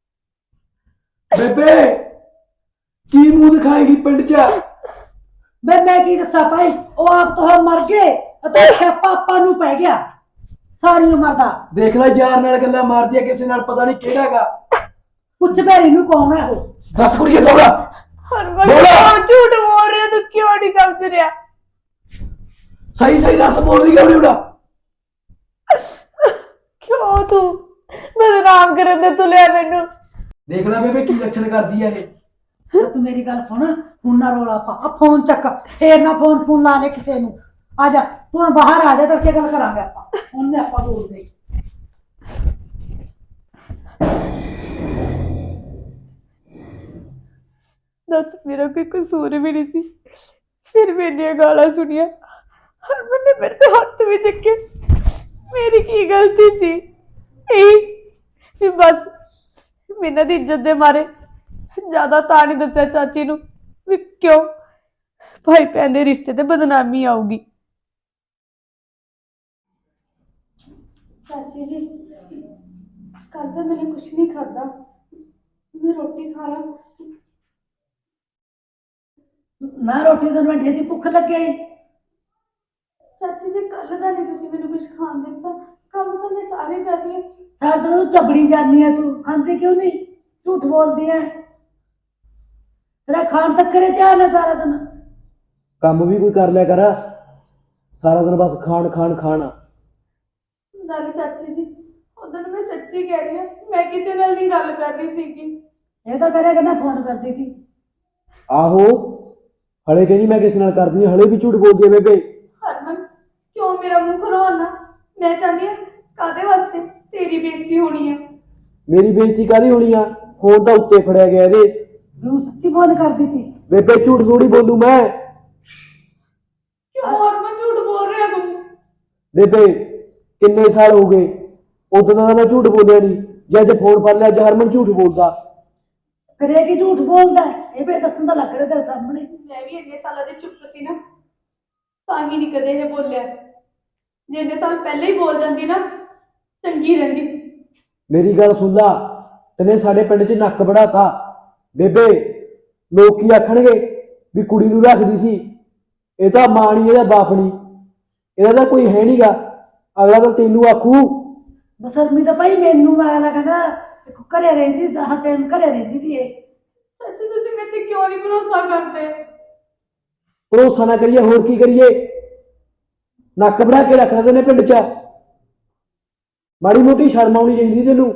C: ਬੇਬੇ ਕੀ ਮੂੰਹ ਦਿਖਾਏਗੀ ਪਿੰਡ 'ਚ?
B: ਮੈਂ ਮੈਂ ਕੀ ਦੱਸਾਂ ਭਾਈ, ਉਹ ਆਪ ਤੋਂ ਮਰ ਗਏ ਅਤੇ ਸਿਆਪਾ ਆਪਾਂ ਨੂੰ ਪੈ ਗਿਆ ਸਾਰੀ ਉਮਰ ਦਾ।
C: ਦੇਖ ਲੈ ਯਾਰ ਨਾਲ ਗੱਲਾਂ ਮਾਰਦੀ ਆ, ਕਿਸੇ ਨਾਲ ਪਤਾ ਨਹੀਂ ਕਿਹੜਾ ਹੈਗਾ।
B: ਪੁੱਛ ਭੈਰੀ ਨੂੰ ਕੌਣ ਹੈ ਉਹ?
C: ਦੱਸ ਕੁੜੀਏ ਕੌਣ ਆ?
A: ਹਰਮਨ
C: ਬੋਲੋ।
A: ਕਿਉਂ ਝੂਠ ਬੋਲ ਰਿਹਾ, ਤੂੰ ਕਿਉਂ ਨਹੀਂ ਸਮਝ ਰਿਹਾ?
C: ਸਹੀ ਸਹੀ ਦੱਸ, ਬੋਲਦੀ ਕਿਉਂ ਨਹੀਂ ਉਹਦਾ?
A: ਕਿਉਂ ਤੂੰ ਬਦਨਾਮ ਕਰਨ ਦੇ ਤੁਲਿਆ ਮੈਨੂੰ?
C: ਦੇਖ ਲੈ ਬੇਬੇ ਕੀ ਲੱਛਣ ਕਰਦੀ ਆ ਇਹ।
B: ਤੇ ਤੂੰ ਮੇਰੀ ਗੱਲ ਸੁਣ, ਹੁਣ ਨਾ ਰੋਲਾ ਪਾ, ਆ ਫੋਨ ਚੱਕ, ਫੇਰ ਨਾ ਫੋਨ ਫੋਨ ਲਾ ਲੈ ਕਿਸੇ ਨੂੰ। ਆ ਜਾ ਤੂੰ ਬਾਹਰ ਆ ਜਾ, ਤੇ ਉੱਥੇ ਗੱਲ ਕਰਾਂਗੇ ਆਪਾਂ, ਉਹਨੇ ਆਪਾਂ ਬੋਲਦੇ।
A: ਦੱਸ ਮੇਰਾ ਕੋਈ ਕਸੂਰ ਵੀ ਨਹੀਂ ਸੀ, ਫਿਰ ਮੇਰੀਆਂ ਗਾਲਾਂ ਸੁਣੀਆਂ, ਹਰਮਨ ਨੇ ਮੇਰੇ ਤੇ ਹੱਥ ਵੀ ਚੱਕੇ। ਮੇਰੀ ਕੀ ਗਲਤੀ ਸੀ? ਇਹ ਵੀ ਬਸ ਮੈਨੂੰ ਦੀ ਇੱਜ਼ਤ ਦੇ ਮਾਰੇ ਜ਼ਿਆਦਾ ਤਾਂ ਨਹੀਂ ਦੱਸਿਆ ਚਾਚੀ ਨੂੰ, ਵੀ ਕਿਉਂ ਭਾਈ ਭੈਣ ਦੇ ਰਿਸ਼ਤੇ ਤੇ ਬਦਨਾਮੀ ਆਊਗੀ। ਚਾਚੀ ਜੀ ਕੱਲ ਤਾਂ ਮੈंने कुछ नहीं खाधा, मैं रोटी खा ला।
B: ਨਾ ਰੋਟੀ ਤੋਂ ਮੈਂ ਢੇਦੀ ਭੁੱਖ ਲੱਗੇ।
A: ਚਾਚੀ ਜੀ ਕੱਲ ਦਾ ਨਹੀਂ ਤੁਸੀਂ ਮੈਨੂੰ ਕੁਝ ਖਾਣ ਦਿੱਤਾ, ਕੰਮ ਤਾਂ ਮੈਂ ਸਾਰੇ ਕਰ ਰਹੀ ਹਾਂ।
B: ਸਾਰਾ ਦਿਨ ਤੂੰ ਚਬੜੀ ਜਾਂਦੀ ਹੈ, ਤੂੰ ਖਾਂਦੀ ਕਿਉਂ ਨਹੀਂ? ਝੂਠ ਬੋਲਦੀ ਹੈ, ਤੇਰਾ ਖਾਣ ਤੱਕ ਕਰੇ ਧਿਆਨ ਹੈ ਸਾਰਾ ਦਿਨ।
C: ਕੰਮ ਵੀ ਕੋਈ ਕਰ ਲਿਆ ਕਰ, ਸਾਰਾ ਦਿਨ ਬਸ ਖਾਣ ਖਾਣ ਖਾਣਾ।
A: ਨਾਲੇ ਚਾਚੀ ਜੀ, ਉਦੋਂ ਮੈਂ ਸੱਚੀ ਕਹਿ ਰਹੀ ਹਾਂ, ਮੈਂ ਕਿਸੇ ਨਾਲ ਨਹੀਂ ਗੱਲ ਕਰ ਰਹੀ ਸੀਗੀ।
B: ਇਹ ਤਾਂ ਕਰਿਆ ਕਰਨਾ ਫੋਨ ਕਰਦੀ ਸੀ।
C: ਆਹੋ, ਹਲੇ ਕਹਿੰਦੀ ਮੈਂ ਕਿਸੇ ਨਾਲ ਕਰਦੀ ਹਾਂ, ਹਲੇ ਵੀ ਝੂਠ ਬੋਲਦੀ ਹੈ ਬੇਬੇ।
A: ਹਰਮਨ, ਕਿਉਂ ਮੇਰਾ ਮੂੰਹ ਖਲਵਾਉਣਾ? ਮੈਂ ਚਾਹੁੰਦੀ ਹਾਂ ਕਾਹਦੇ ਵਾਸਤੇ ਤੇਰੀ ਬੇਇੱਜ਼ਤੀ ਹੋਣੀ ਹੈ।
C: ਮੇਰੀ ਬੇਇੱਜ਼ਤੀ ਕਾਹਦੀ ਹੋਣੀ ਆ? ਫੋਨ ਤਾਂ ਉੱਤੇ ਫੜਿਆ ਗਿਆ ਇਹਦੇ।
B: ਤੂੰ ਸੱਚੀ ਫੋਨ ਕਰਦੀ ਸੀ?
C: ਬੇਬੇ ਝੂਠ ਥੋੜੀ ਬੋਲੂ ਮੈਂ।
A: ਕਿਉਂ ਹਰਮਨ ਝੂਠ ਬੋਲ ਰਿਹਾ ਤੂੰ?
C: ਬੇਬੇ ਕਿੰਨੇ ਸਾਲ ਹੋ ਗਏ, ਉਦੋਂ ਦਾ ਮੈਂ ਝੂਠ ਬੋਲਿਆ ਨਹੀਂ। ਜੇ ਅੱਜ ਫੋਨ ਫੜ ਲਿਆ, ਅੱਜ ਹਰਮਨ ਝੂਠ ਬੋਲਦਾ।
B: ਫਿਰ ਇਹ ਕੀ ਝੂਠ ਬੋਲਦਾ? ਇਹ ਵੀ ਦੱਸਣ ਦਾ ਲੱਗ ਰਿਹਾ ਤੇਰੇ ਸਾਹਮਣੇ।
A: ਮੈਂ ਵੀ ਇੰਨੇ ਸਾਲਾਂ ਦੀ ਚੁੱਪ ਸੀ ਨਾ, ਤਾਂ ਹੀ ਨਹੀਂ ਕਦੇ ਇਹ ਬੋਲਿਆ। ਜੇ ਇੰਨੇ ਸਾਲ ਪਹਿਲਾਂ ਹੀ ਬੋਲ ਜਾਂਦੀ ਨਾ, ਚੰਗੀ ਰਹਿੰਦੀ।
C: ਮੇਰੀ ਗੱਲ ਸੁਣ ਲਾ, ਤੈਨੇ ਸਾਡੇ ਪਿੰਡ 'ਚ ਨੱਕ ਵੜਾਤਾ। ਬੇਬੇ ਲੋਕ ਕੀ ਆਖਣਗੇ ਵੀ ਕੁੜੀ ਨੂੰ ਰੱਖਦੀ ਸੀ, ਇਹ ਤਾਂ ਮਾਂ ਨਹੀਂ, ਇਹਦਾ ਬਾਪ ਨਹੀਂ, ਇਹਦਾ ਤਾਂ ਕੋਈ ਹੈ ਨਹੀਂਗਾ। ਅਗਲਾ ਤਾਂ ਤੈਨੂੰ ਆਖੂ।
B: ਬਸਰਮੀ ਤਾਂ ਭਾਈ ਮੈਨੂੰ ਆਇਆ ਕਹਿੰਦਾ ਘਰੇ ਰਹਿੰਦੀ ਸੀ, ਹਰ ਟਾਈਮ ਘਰੇ ਰਹਿੰਦੀ ਸੀ ਇਹ।
A: ਸੱਚ ਤੁਸੀਂ ਮੇਰੇ ਤੇ ਕਿਉਂ ਨਹੀਂ ਭਰੋਸਾ ਕਰਦੇ?
C: ਭਰੋਸਾ ਨਾ ਕਰੀਏ ਹੋਰ ਕੀ ਕਰੀਏ? ਨੱਕ ਵੜਾ ਕੇ ਰੱਖ ਦਿੰਦੇ ਨੇ ਪਿੰਡ 'ਚ। ਮਾੜੀ ਮੋਟੀ ਸ਼ਰਮ ਆਉਣੀ ਚਾਹੀਦੀ ਤੈਨੂੰ।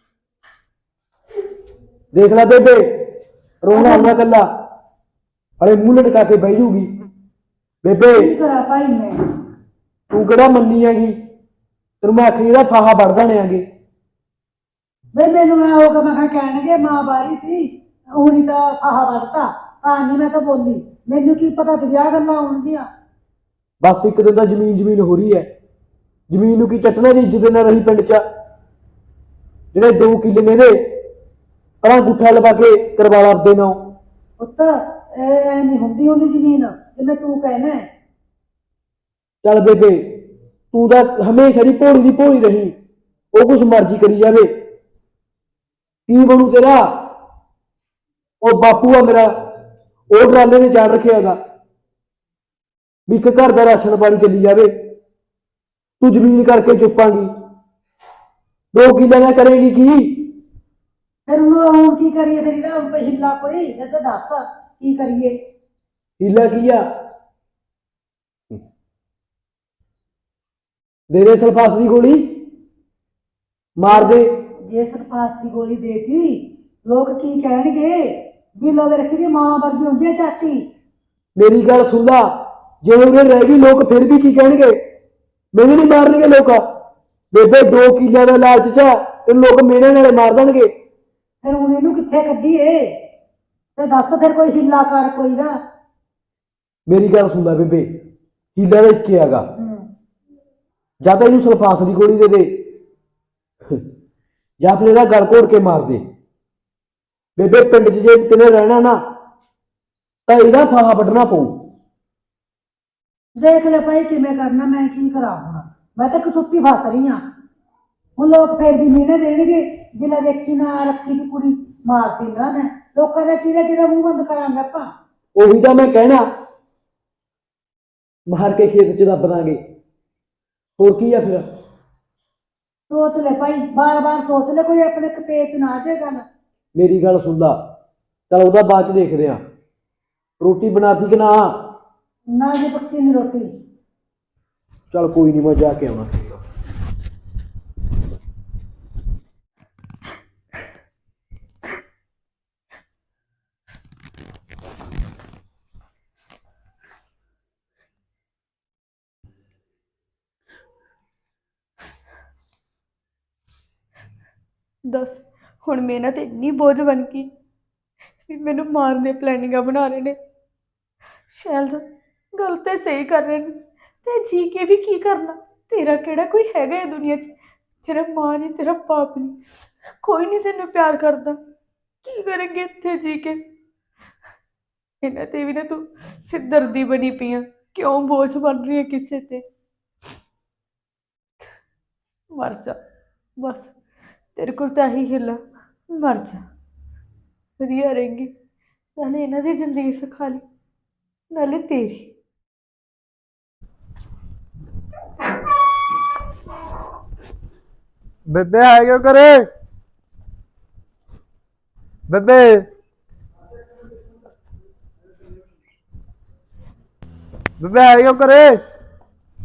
C: ਦੇਖ ਲੈ ਬੇਬੇ, ਰੋਣਾ ਆਉਣਾ ਕੱਲਾ, ਹਲੇ ਮੂੰਹ ਲਟਕਾ ਕੇ ਬਹਿ ਜੂਗੀ। ਬੇਬੇ
B: ਕੀ ਕਰਾਂ ਭਾਈ ਮੈਂ?
C: ਤੂੰ ਕਿਹੜਾ ਮੰਨੀ ਹੈਗੀ? ਤੈਨੂੰ ਮੈਂ ਆਖੀ ਇਹਦਾ ਫਾਹਾ ਵੜ ਦੇਣਾਂਗੇ।
B: ਵੇ ਮੈਨੂੰ ਮੈਂ ਉਹ ਕਿ ਮੈਂ ਕਿਹਾ ਕਹਿਣਗੇ ਮਾਂ ਬਾਰੀ ਸੀ, ਹੁਣੀ ਤਾਂ ਆਹ ਵੜਤਾ, ਤਾਂ ਨਹੀਂ ਮੈਂ ਤਾਂ ਬੋਲੀ। ਮੈਨੂੰ ਕੀ ਪਤਾ ਤੇ ਵਿਆਹ ਗੱਲਾਂ ਆਉਣਗੀਆਂ।
C: ਬਸ ਇੱਕ ਦਿਨ ਦਾ ਜ਼ਮੀਨ ਜ਼ਮੀਨ ਹੋ ਰਹੀ ਹੈ। ਜ਼ਮੀਨ ਨੂੰ ਕੀ ਚੱਟਣਾ ਦੀ ਇੱਜ਼ਤ ਨਾ ਰਹੀ ਪਿੰਡ 'ਚ। ਜਿਹੜੇ ਦੋ ਕਿੱਲੇ ਨੇ ਇਹਦੇ, ਪਰਾਂ ਗੁੱਠਾ ਲਵਾ ਕੇ ਕਰਵਾ ਲਾ ਆਪਦੇ ਨਾਲ।
B: ਪੁੱਤ ਇਹ ਨਹੀਂ ਹੁੰਦੀ ਹੁੰਦੀ ਜ਼ਮੀਨ ਜਿਵੇਂ ਤੂੰ ਕਹਿਣਾ।
C: ਚੱਲ ਬੇਬੇ, ਤੂੰ ਤਾਂ ਹਮੇਸ਼ਾ ਦੀ ਭੋਲੀ ਦੀ ਭੋਲੀ ਰਹੀ, ਉਹ ਕੁਛ ਮਰਜ਼ੀ ਕਰੀ ਜਾਵੇ। ਕੀ ਬਣੂ ਤੇਰਾ? ਉਹ ਬਾਪੂ ਆ ਮੇਰਾ, ਉਹ ਡਰਾਲੇ ਨੇ ਚਾੜ ਰੱਖਿਆ ਹੈਗਾ ਵੀ ਇੱਕ ਘਰ ਦਾ ਰਾਸ਼ਨ ਪਾਣੀ ਚੱਲੀ ਜਾਵੇ। ਤੂੰ ਜ਼ਮੀਨ ਕਰਕੇ ਚੁੱਪਾਂਗੀ, ਦੋ ਕਿੱਲਿਆਂ ਦਾ ਕਰੇਗੀ ਕੀ?
B: ਫਿਰ ਹੁਣ ਹੁਣ ਕੀ ਕਰੀਏ? ਫਿਰ ਇਹਦਾ ਹੁਣ ਕੋਈ ਹਿੱਲਾ ਕੋਈ ਇਹ ਤਾਂ ਦੱਸ ਕੀ ਕਰੀਏ?
C: ਹੀਲਾ ਕੀ ਆ? ਦੇ ਦੇ ਸਲਫਾਸ ਦੀ ਗੋਲੀ, ਮਾਰ ਦੇ।
B: ਜੇ ਸਰਪਾਸ ਦੀ ਗੋਲੀ ਦੇਤੀ ਲੋਕ ਕੀ ਕਹਿਣਗੇ? ਵੀ ਲੋਕ ਰੱਖੀ ਦੀ ਮਾਂ ਵਰਗੀ ਹੁੰਦੀ ਹੈ ਚਾਚੀ।
C: ਮੇਰੀ ਗੱਲ ਸੁਣ ਲਾ, ਜੇ ਉਹਨੇ ਰਹਿ ਗਈ ਲੋਕ ਫਿਰ ਵੀ ਕੀ ਕਹਿਣਗੇ? ਮੈਨੂੰ ਨਹੀਂ ਮਾਰਨਗੇ ਲੋਕ। ਬੇਬੇ ਦੋ ਕਿੱਲਿਆਂ ਦਾ ਲਾਲਚ 'ਚ ਤੇ ਲੋਕ ਮੇਨੇ ਨਾਲੇ ਮਾਰ ਦੇਣਗੇ।
B: ਫਿਰ ਹੁਣ ਇਹਨੂੰ ਕਿੱਥੇ ਕੱਢੀਏ? ਤੇ ਦੱਸ ਫਿਰ ਕੋਈ ਹਿੱਲਾ ਕਰ ਕੋਈ ਦਾ।
C: ਮੇਰੀ ਗੱਲ ਸੁਣ ਲੈ ਬੇਬੇ, ਹੀਲਾ ਦਾ ਇੱਕ ਹੀ ਹੈਗਾ, ਜਾਂ ਤਾਂ ਇਹਨੂੰ ਸਲਫਾਸ ਦੀ ਗੋਲੀ ਦੇ ਦੇ, ਜਾਂ ਫਿਰ ਇਹਦਾ ਗਲ ਘੋੜ ਕੇ ਮਾਰ ਦੇ। ਬੇਬੇ ਪਿੰਡ 'ਚ ਜੇ ਤੈਨੇ ਰਹਿਣਾ ਨਾ, ਤਾਂ ਇਹਦਾ ਫਾਹਾ ਵੱਢਣਾ ਪਊ।
B: ਦੇਖ ਲੈ ਭਾਈ ਕਿਵੇਂ ਕਰਨਾ, ਮੈਂ ਕੀ ਕਰਾਂ ਹੁਣ? ਮੈਂ ਤਾਂ ਕਸੁੱਤੀ ਫਸ ਰਹੀ ਹਾਂ। ਹੁਣ ਲੋਕ ਫੇਰ ਵੀ ਮਿਹਣੇ ਦੇਣਗੇ, ਜਿਲਾ ਦੇਖੀ ਨਾ ਰੱਖੀ ਦੀ ਕੁੜੀ ਮਾਰਦੀ ਨਾ ਨੇ। ਲੋਕਾਂ ਦਾ ਕਿਹਦਾ ਕਿਹਦਾ ਮੂੰਹ ਬੰਦ ਕਰਾਂਗੇ ਆਪਾਂ?
C: ਉਹੀ ਤਾਂ ਮੈਂ ਕਹਿਣਾ, ਮਾਰ ਕੇ ਖੇਤ 'ਚ ਦੱਬ ਦਾਂਗੇ, ਹੋਰ ਕੀ ਆ ਫਿਰ?
B: ਸੋਚ ਲੈ ਭਾਈ, ਬਾਰ ਬਾਰ ਸੋਚ ਲੈ, ਕੋਈ ਆਪਣੇ ਕਪੇਚ ਨਾ ਆ ਜਾਏ ਗੱਲ।
C: ਮੇਰੀ ਗੱਲ ਸੁਣ ਲਾ, ਚੱਲ ਉਹਦਾ ਬਾਅਦ 'ਚ ਦੇਖਦੇ ਆ। ਰੋਟੀ ਬਣਾਤੀ ਕਿ ਨਾ?
B: ਨਾ ਜੀ ਪੱਕੀ ਨਹੀਂ ਰੋਟੀ।
C: ਚੱਲ ਕੋਈ ਨਹੀਂ, ਮੈਂ ਜਾ ਕੇ ਆਉਣਾ।
A: ਦੱਸ, ਹੁਣ ਮੇਰੇ ਨਾਲ ਤੇ ਇੰਨੀ ਬੋਝ ਬਣ ਗਈ ਵੀ ਮੈਨੂੰ ਮਾਰਨ ਦੀਆਂ ਪਲੈਨਿੰਗਾਂ ਬਣਾ ਰਹੇ ਨੇ। ਸ਼ਾਇਦ ਗੱਲ ਤੇ ਸਹੀ ਕਰ ਰਹੇ ਨੇ, ਤੇ ਜੀ ਕੇ ਵੀ ਕੀ ਕਰਨਾ? ਤੇਰਾ ਕਿਹੜਾ ਕੋਈ ਹੈਗਾ ਇਹ ਦੁਨੀਆ 'ਚ? ਤੇਰਾ ਮਾਂ ਨਹੀਂ, ਤੇਰਾ ਬਾਪ ਨਹੀਂ, ਕੋਈ ਨਹੀਂ ਤੈਨੂੰ ਪਿਆਰ ਕਰਦਾ। ਕੀ ਕਰਾਂਗੇ ਇੱਥੇ ਜੀ ਕੇ? ਇਹਨਾਂ ਤੇ ਵੀ ਨਾ ਤੂੰ ਸਿਰਦਰਦੀ ਬਣੀ ਪਈ ਆ, ਕਿਉਂ ਬੋਝ ਬਣ ਰਹੀ ਹੈ ਕਿਸੇ ਤੇ? ਮਰ ਜਾ ਬਸ, ਤੇਰੇ ਕੋਲ ਤਾਂ ਇਹੀ ਹਿੱਲਾ, ਮਰ ਜਾ, ਵਧੀਆ ਰਹੇਂਗੀ। ਨਾਲੇ ਇਹਨਾਂ ਦੀ ਜ਼ਿੰਦਗੀ ਸਿਖਾ ਲਈ, ਨਾਲੇ ਤੇਰੀ।
D: ਬੇਬੇ ਹੈ ਕਿਉਂ ਕਰੇ? ਬੇਬੇ ਬੇਬੇ ਹੈ ਕਿਉਂ ਕਰੇ?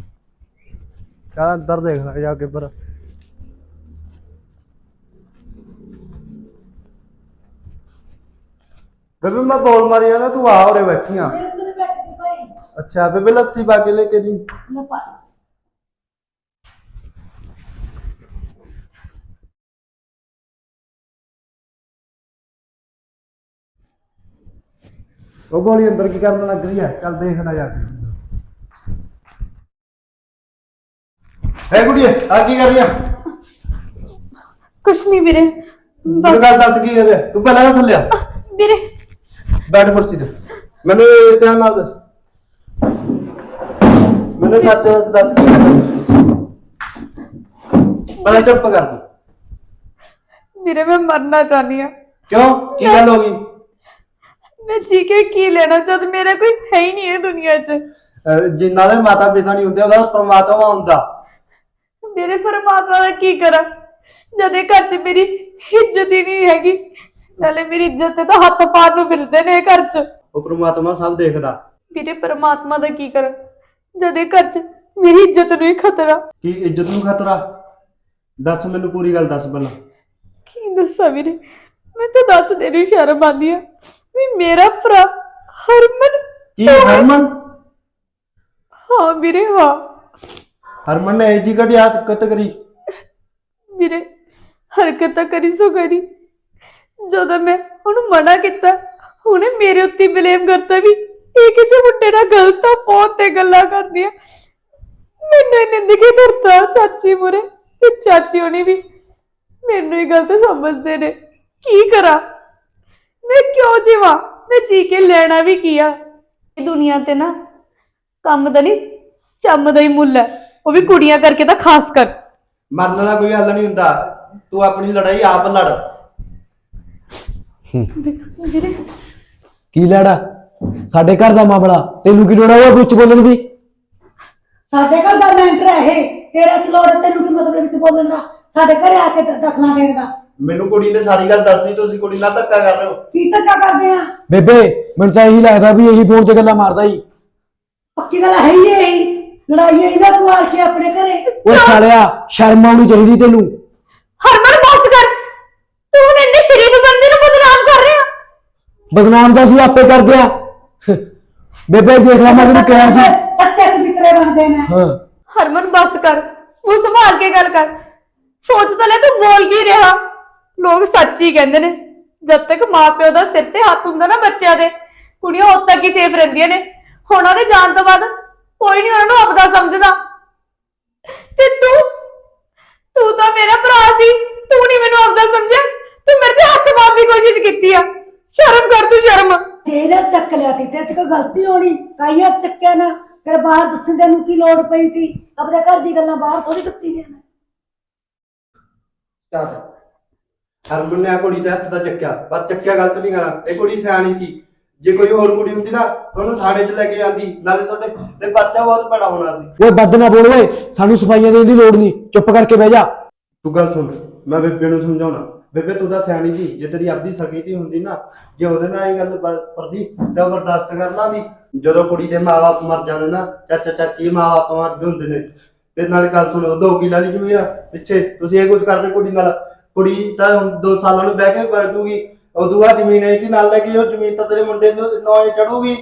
D: ਚੱਲ ਅੰਦਰ ਦੇਖ ਲੈ ਜਾ ਕੇ ਪਰ ਬੇਬੇ ਮੈਂ ਬੋਲ ਮਾਰੀ ਆ ਨਾ ਤੂੰ ਆ ਉਰੇ ਬੈਠੀ ਆ ਅੱਛਾ ਬੇਬੇ ਲੱਸੀ ਪਾ ਕੇ ਲੈ ਕੇ ਦੀ ਉਹ ਬੋਲੀ ਅੰਦਰ ਕੀ ਕਰਨ ਲੱਗ ਰਹੀ ਹੈ ਚੱਲ ਦੇਖਣਾ ਜਾ ਕੇ ਹੈ ਕੁੜੀਏ ਆ ਕੀ ਕਰ ਰਹੀ ਆ
A: ਕੁਛ ਨਹੀਂ ਵੀਰੇ,
D: ਮੈਨੂੰ ਗੱਲ ਦੱਸ ਕੀ ਕਰ ਰਿਹਾ ਤੂੰ ਪਹਿਲਾਂ ਨਾ ਥੱਲੇ ਆ
A: ਵੀਰੇ
D: ਬੈਠ ਕੁਰਸੀ ਤੇ ਮੈਨੂੰ ਧਿਆਨ ਨਾਲ ਦੱਸ ਮੈਨੂੰ ਸੱਚ ਦੱਸ ਕੀ ਕਰ ਰਿਹਾ ਪਹਿਲਾਂ ਚੁੱਪ ਕਰ ਤੂੰ
A: ਵੀਰੇ ਮੈਂ ਮਰਨਾ ਚਾਹਨੀ ਆ।
D: ਕਿਉਂ ਕੀ ਗੱਲ ਹੋ ਗਈ
A: ਮੈਂ ਜੀ ਕੇ ਕੀ ਲੈਣਾ ਜਦ ਮੇਰਾ ਕੋਈ ਹੈ ਹੀ ਨਹੀਂ ਹੈ ਦੁਨੀਆ 'ਚ।
D: ਅਹ ਜਿਨ੍ਹਾਂ ਦੇ ਮਾਤਾ ਪਿਤਾ ਨਹੀਂ ਹੁੰਦੇ ਉਹਦਾ ਪਰਮਾਤਮਾ ਹੁੰਦਾ।
A: ਮੇਰੇ ਪਰਮਾਤਮਾ ਦਾ ਕੀ ਕਰਾਂ ਜਦ ਇਹ ਘਰ 'ਚ ਮੇਰੀ ਇੱਜ਼ਤ ਹੀ ਨਹੀਂ ਹੈਗੀ, ਨਾਲੇ ਮੇਰੀ ਇੱਜ਼ਤ ਤੇ ਤਾਂ ਹੱਥ ਪਾਉਣ ਨੂੰ ਫਿਰਦੇ ਨੇ ਇਹ ਘਰ 'ਚ।
D: ਉਹ ਪਰਮਾਤਮਾ ਸਭ ਦੇਖਦਾ।
A: ਵੀਰੇ ਪਰਮਾਤਮਾ ਦਾ ਕੀ ਕਰਾਂ ਜਦ ਇਹ ਘਰ 'ਚ ਮੇਰੀ ਇੱਜ਼ਤ ਨੂੰ ਹੀ ਖਤਰਾ।
D: ਕੀ ਇੱਜ਼ਤ ਨੂੰ ਖਤਰਾ? ਦੱਸ ਮੈਨੂੰ ਪੂਰੀ ਗੱਲ ਦੱਸ ਪਹਿਲਾਂ।
A: ਕੀ ਦੱਸਾਂ ਵੀਰੇ, ਮੈਂ ਤਾਂ ਦੱਸ ਦੇ ਰਹੀ ਸ਼ਰਮ ਆਉਂਦੀ ਆ ਵੀ ਮੇਰਾ ਭਰਾ ਹਰਮਨ।
D: ਕੀ ਹਰਮਨ?
A: ਹਾਂ ਵੀਰੇ ਹਾਂ।
D: ਹਰਮਨ ਨੇ ਇਹ ਜੀ ਘੜੀ ਹਰਕਤ ਕਰੀ?
A: ਵੀਰੇ ਹਰਕਤ ਤਾਂ ਕਰੀ ਸੋ ਕਰੀ, ਜਦੋਂ ਮੈਂ ਉਹਨੂੰ ਮਨਾ ਕੀਤਾ ਉਹਨੇ ਮੇਰੇ ਉੱਤੇ ਬਲੇਮ ਕਰਤਾ ਵੀ ਇਹ ਕਿਸੇ ਮੁੰਡੇ ਨਾਲ ਗਲਤ ਆ, ਫੋਨ ਤੇ ਗੱਲਾਂ ਕਰਦੀ ਆ। ਮੈਨੂੰ ਇਹਨੇ ਨਿੱਕੇ ਕਰਤਾ ਚਾਚੀ ਮੁਰੇ, ਤੇ ਚਾਚੀ ਹੋਣੀ ਵੀ ਮੈਨੂੰ ਹੀ ਗਲਤ ਸਮਝਦੇ ਨੇ। ਕੀ ਕਰਾਂ ਮੈਂ, ਕਿਉਂ ਜੀਵਾਂ ਮੈਂ? ਜੀ ਕੇ ਲੈਣਾ ਵੀ ਕੀ ਆ? ਇਹ ਦੁਨੀਆ ਤੇ ਨਾ ਕੰਮ ਦਾ ਨਹੀਂ ਚੰਮ ਦਾ ਹੀ ਮੁੱਲ ਹੈ, ਉਹ ਵੀ ਕੁੜੀਆਂ ਕਰਕੇ ਤਾਂ ਖਾਸ ਕਰ।
D: ਮਰਨ ਦਾ ਕੋਈ ਹੱਲ ਨਹੀਂ ਹੁੰਦਾ, ਤੂੰ ਆਪਣੀ ਲੜਾਈ ਆਪ ਲੜ।
A: ਵੀਰੇ
C: ਕੀ ਲੜਾ? ਸਾਡੇ ਘਰ ਦਾ ਮਾਮਲਾ, ਤੈਨੂੰ ਕੀ ਲੋੜ ਹੈ ਉਹ ਵਿੱਚ ਬੋਲਣ ਦੀ?
B: ਸਾਡੇ ਘਰ ਦਾ ਮੈਂਟਰ ਹੈ ਇਹ, ਤੇਰਾ ਕੀ ਲੋੜ ਹੈ? ਤੈਨੂੰ ਕੀ ਮਤਲਬ ਵਿੱਚ ਬੋਲਣ ਦਾ? ਸਾਡੇ ਘਰੇ ਆ ਕੇ ਦਖਲਾਂ ਦੇਣ ਦਾ?
D: ਮੈਨੂੰ ਕੁੜੀ ਨੇ ਸਾਰੀ ਗੱਲ ਦੱਸਦੀ, ਤੁਸੀਂ ਕੁੜੀ ਨਾਲ ਧੱਕਾ ਕਰ ਰਹੇ ਹੋ।
B: ਕੀ ਧੱਕਾ ਕਰਦੇ ਆ?
C: ਬੇਬੇ ਮੈਨੂੰ ਤਾਂ ਇਹੀ ਲੱਗਦਾ ਵੀ ਇਹੀ ਫੋਨ ਤੇ ਗੱਲਾਂ ਮਾਰਦਾ ਹੀ।
B: ਪੱਕੀ ਗੱਲ ਹੈ ਹੀ ਇਹੀ, ਲੜਾਈ ਇਹਦਾ ਕੁਆਰ ਕੇ ਆਪਣੇ ਘਰੇ।
C: ਉਹ ਸਾਲਿਆ ਸ਼ਰਮ ਆਉਣੀ ਚਾਹੀਦੀ ਤੈਨੂੰ।
A: ਹਰਮਨ ਬਸ ਕਰ, ਤੂੰ ਹੁਣ ਇੰਨੇ ਸ਼ਰੀਫ ਬੰਦੇ ਨੂੰ ਬਦਨਾਮ ਕਰ ਰਿਹਾ।
C: ਬਦਨਾਮ ਤਾਂ ਅਸੀਂ ਆਪੇ ਕਰਦੇ ਆ। ਬੇਬੇ ਦੇਖ ਲੈ ਮੈਂ ਤੈਨੂੰ ਕਿਹਾ ਸੀ।
B: ਸੱਚੇ ਸਬਿਤਰੇ ਬਣਦੇ ਨੇ।
C: ਹਾਂ
A: ਹਰਮਨ ਬਸ ਕਰ, ਉਹ ਸੰਭਾਲ ਕੇ ਗੱਲ ਕਰ। ਸੋਚ ਤਾਂ ਲੈ ਤੂੰ ਬੋਲ ਕੀ ਰਿਹਾ। ਲੋਕ ਸੱਚ ਹੀ ਕਹਿੰਦੇ ਨੇ, ਜਦ ਤੱਕ ਮਾਪਿਓ ਦਾ ਸਿਰ ਤੇ ਹੱਥ ਹੁੰਦਾ ਨਾ ਬੱਚਿਆਂ ਦੇ, ਕੁੜੀਆਂ ਉਦ ਤੱਕ ਹੀ ਸੇਫ ਰਹਿੰਦੀਆਂ ਨੇ। ਹੁਣ ਉਹਦੇ ਜਾਣ ਤੋਂ ਬਾਅਦ ਕੋਈ ਨਹੀਂ ਉਹਨਾਂ ਨੂੰ ਆਪਦਾ ਸਮਝਦਾ। ਤੇ ਤੂੰ ਤੂੰ ਤਾਂ ਮੇਰਾ ਭਰਾ ਸੀ, ਤੂੰ ਨਹੀਂ ਮੈਨੂੰ ਆਪਦਾ ਸਮਝਿਆ। ਤੂੰ ਮੇਰੇ ਤੇ ਹੱਥ ਮਾਰਨ ਦੀ ਕੋਸ਼ਿਸ਼ ਕੀਤੀ ਆ। ਸ਼ਰਮ ਕਰ ਤੂੰ, ਸ਼ਰਮ।
B: ਤੇਰਾ ਚੱਕ ਲਿਆ ਤੀ, ਤੇ ਚ ਕੋਈ ਗਲਤੀ ਹੋਣੀ ਕਾਈਆ ਚੱਕਿਆ ਨਾ, ਫਿਰ ਬਾਹਰ ਦੱਸਣ ਤੈਨੂੰ ਕੀ ਲੋੜ ਪਈ ਸੀ? ਆਪਣੇ ਘਰ ਦੀ ਗੱਲਾਂ ਬਾਹਰ ਥੋੜੀ ਦੱਸੀ ਦੀਆਂ ਨੇ।
D: ਹਰਮਨ ਨੇ ਆ ਕੁੜੀ ਦੇ ਹੱਥ ਦਾ ਚੱਕਿਆ, ਪਰ ਚੱਕਿਆ ਗਲਤ ਨਹੀਂ ਗਾ। ਇਹ ਕੁੜੀ ਸਿਆਣੀ ਸੀ, ਜੇ ਕੋਈ ਹੋਰ ਕੁੜੀ ਹੁੰਦੀ ਨਾ ਉਹਨੂੰ ਥਾਣੇ 'ਚ ਲੈ ਕੇ ਜਾਂਦੀ, ਨਾਲੇ ਤੁਹਾਡੇ ਤੇ ਬੱਚਾ ਬਹੁਤ ਬੜਾ ਹੋਣਾ ਸੀ।
C: ਓਏ ਬੱਦ ਨਾ ਬੋਲ ਓਏ, ਸਾਨੂੰ ਸਫਾਈਆਂ ਦੇਣ ਦੀ ਲੋੜ ਨਹੀਂ, ਚੁੱਪ ਕਰਕੇ ਬਹਿ ਜਾ।
D: ਤੂੰ ਗੱਲ ਸੁਣ, ਮੈਂ ਬੇਬੇ ਨੂੰ ਸਮਝਾਉਣਾ। ਬੇਬੇ ਤੂੰ ਤਾਂ ਸਿਆਣੀ ਸੀ, ਜੇ ਤੇਰੀ ਆਪਦੀ ਸਕੀ ਦੀ ਹੁੰਦੀ ਨਾ, ਜੇ ਉਹਦੇ ਨਾਲ ਇਹ ਗੱਲ ਪਰਦੀ ਤਾਂ ਬਰਦਾਸ਼ਤ ਕਰ ਲਾਂਦੀ। ਜਦੋਂ ਕੁੜੀ ਦੇ ਮਾਪੇ ਮਰ ਜਾਂਦੇ ਨਾ, ਚਾਚਾ ਚਾਚੀ ਮਾਪੇ ਮਰਦੇ ਹੁੰਦੇ ਨੇ। ਤੇ ਨਾਲੇ ਗੱਲ ਸੁਣ, ਦੋ ਕਿੱਲਾ ਦੀ ਜ਼ਮੀਨ ਆ ਪਿੱਛੇ, ਤੁਸੀਂ ਇਹ ਕੁਝ ਕਰਦੇ ਕੁੜੀ ਨਾਲ। ਕੁੜੀ ਤਾਂ ਹੁਣ ਦੋ ਸਾਲਾਂ ਨੂੰ ਬਹਿ ਕੇ ਕਰ ਦੂਗੀ, ਉਦੋਂ ਬਾਅਦ ਜ਼ਮੀਨ ਹੈ ਕਿ ਨਾਲ ਲੈ ਕੇ ਉਹ ਜ਼ਮੀਨ ਤਾਂ ਤੇਰੇ ਮੁੰਡੇ ਨੂੰ ਨੌਂ ਚੜੂਗੀ।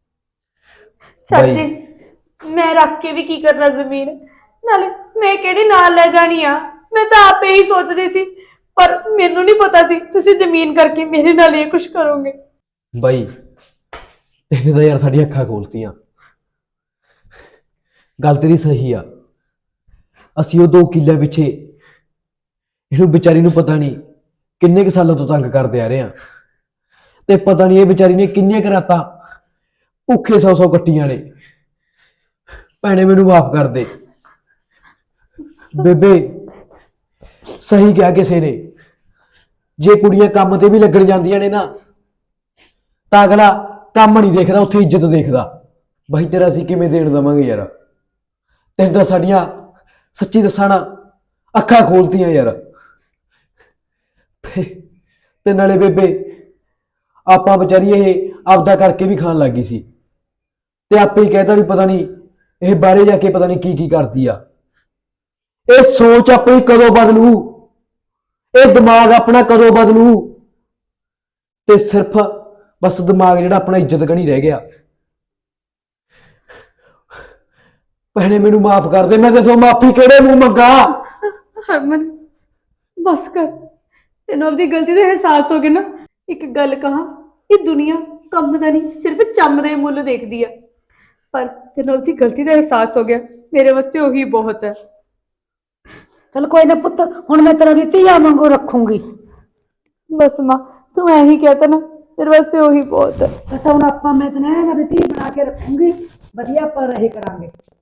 A: ਚਾਚੀ ਮੈਂ ਰੱਖ ਕੇ ਵੀ ਕੀ ਕਰਨਾ ਜ਼ਮੀਨ, ਨਾਲੇ ਮੈਂ ਕਿਹੜੀ ਨਾਲ ਲੈ ਜਾਣੀ ਆ। ਮੈਂ ਤਾਂ ਆਪੇ ਹੀ ਸੋਚਦੀ ਸੀ, ਪਰ ਮੈਨੂੰ ਨਹੀਂ ਪਤਾ ਸੀ ਤੁਸੀਂ ਜ਼ਮੀਨ ਕਰਕੇ ਮੇਰੇ ਨਾਲ ਇਹ ਕੁਝ ਕਰੋਗੇ।
C: ਬਾਈ ਤੈਨੇ ਤਾਂ ਯਾਰ ਸਾਡੀਆਂ ਅੱਖਾਂ ਖੋਲਤੀਆਂ। ਗੱਲ ਤੇਰੀ ਸਹੀ ਆ, ਅਸੀਂ ਉਹ ਦੋ ਕਿੱਲੇ ਪਿੱਛੇ ਇਹਨੂੰ ਵਿਚਾਰੀ ਨੂੰ ਪਤਾ ਨਹੀਂ ਕਿੰਨੇ ਕੁ ਸਾਲਾਂ ਤੋਂ ਤੰਗ ਕਰਦੇ ਆ ਰਹੇ ਆ, ਤੇ ਪਤਾ ਨਹੀਂ ਇਹ ਵਿਚਾਰੀ ਨੇ ਕਿੰਨੀਆਂ ਕੁ ਰਾਤਾਂ ਭੁੱਖੇ ਸੌ ਸੌ ਕੱਟੀਆਂ ਨੇ। ਭੈਣੇ ਮੈਨੂੰ ਮਾਫ ਕਰ ਦੇ। ਬੇਬੇ ਸਹੀ ਕਿਹਾ ਕਿਸੇ ਨੇ, ਜੇ ਕੁੜੀਆਂ ਕੰਮ ਤੇ ਵੀ ਲੱਗਣ ਜਾਂਦੀਆਂ ਨੇ ਨਾ ਤਾਂ ਅਗਲਾ ਕੰਮ ਨਹੀਂ ਦੇਖਦਾ, ਉੱਥੇ ਇੱਜ਼ਤ ਦੇਖਦਾ। ਬਾਈ ਤੇਰਾ ਅਸੀਂ ਕਿਵੇਂ ਦੇਣ ਦੇਵਾਂਗੇ ਯਾਰ? ਤੈਨੂੰ ਤਾਂ ਸਾਡੀਆਂ ਸੱਚੀ ਦੱਸਾਂ ਨਾ ਅੱਖਾਂ ਖੋਲਤੀਆਂ ਯਾਰ। ਤੇ ਤੇ ਨਾਲੇ ਬੇਬੇ ਆਪਾਂ ਵਿਚਾਰੀ ਇਹ ਆਪਦਾ ਕਰਕੇ ਵੀ ਖਾਣ ਲੱਗੀ ਸੀ, ਤੇ ਆਪੇ ਹੀ ਕਹਿਤਾ ਵੀ ਪਤਾ ਨਹੀਂ ਇਹ ਬਾਹਰੇ ਜਾ ਕੇ ਪਤਾ ਨਹੀਂ ਕੀ ਕੀ ਕਰਦੀ ਆ। ਇਹ ਸੋਚ ਆਪਣੀ ਕਦੋਂ ਬਦਲੂ, ਇਹ ਦਿਮਾਗ ਆਪਣਾ ਕਦੋਂ ਬਦਲੂ। ਤੇ ਸਿਰਫ ਬਸ ਦਿਮਾਗ ਜਿਹੜਾ ਆਪਣਾ ਇੱਜ਼ਤ ਗਣੀ ਰਹਿ ਗਿਆ। ਭੈਣੇ ਮੈਨੂੰ ਮਾਫ ਕਰ ਦੇ, ਮੈਂ ਦੱਸੋ ਮਾਫੀ ਕਿਹੜੇ ਮੂੰਹ ਮੰਗਾ।
A: ਹਰਮਨ ਬਸ ਕਰ, ਤੈਨੂੰ ਆਪਣੀ ਗਲਤੀ ਦਾ ਅਹਿਸਾਸ ਹੋ ਗਿਆ ਨਾ। ਇੱਕ ਗੱਲ ਕਹਾਂ, ਇਹ ਦੁਨੀਆ ਕੰਮ ਦਾ ਨਹੀਂ ਸਿਰਫ ਚੰਮ ਦਾ ਹੀ ਮੁੱਲ ਦੇਖਦੀ ਆ, ਪਰ ਤੈਨੂੰ ਆਪਣੀ ਗਲਤੀ ਦਾ ਅਹਿਸਾਸ ਹੋ ਗਿਆ, ਮੇਰੇ ਵਾਸਤੇ ਉਹੀ ਬਹੁਤ ਹੈ।
B: ਚਲ ਕੋਈ ਨਾ ਪੁੱਤ, ਹੁਣ ਮੈਂ ਤੇਰਾ ਵੀ ਧੀਆ ਵਾਂਗੂ ਰੱਖੂੰਗੀ।
A: ਬਸ ਮਾਂ ਤੂੰ ਐ ਹੀ ਕਹਿਤਾ ਨਾ, ਮੇਰੇ ਵਾਸਤੇ ਉਹੀ ਬਹੁਤ ਹੈ।
B: ਬਸ ਹੁਣ ਆਪਾਂ ਮੈਂ ਤੈਨੂੰ ਐਂ ਨਾ ਵੀ ਧੀ ਬਣਾ ਕੇ ਰੱਖੂੰਗੀ, ਵਧੀਆ ਆਪਾਂ ਰਹੇ ਕਰਾਂਗੇ।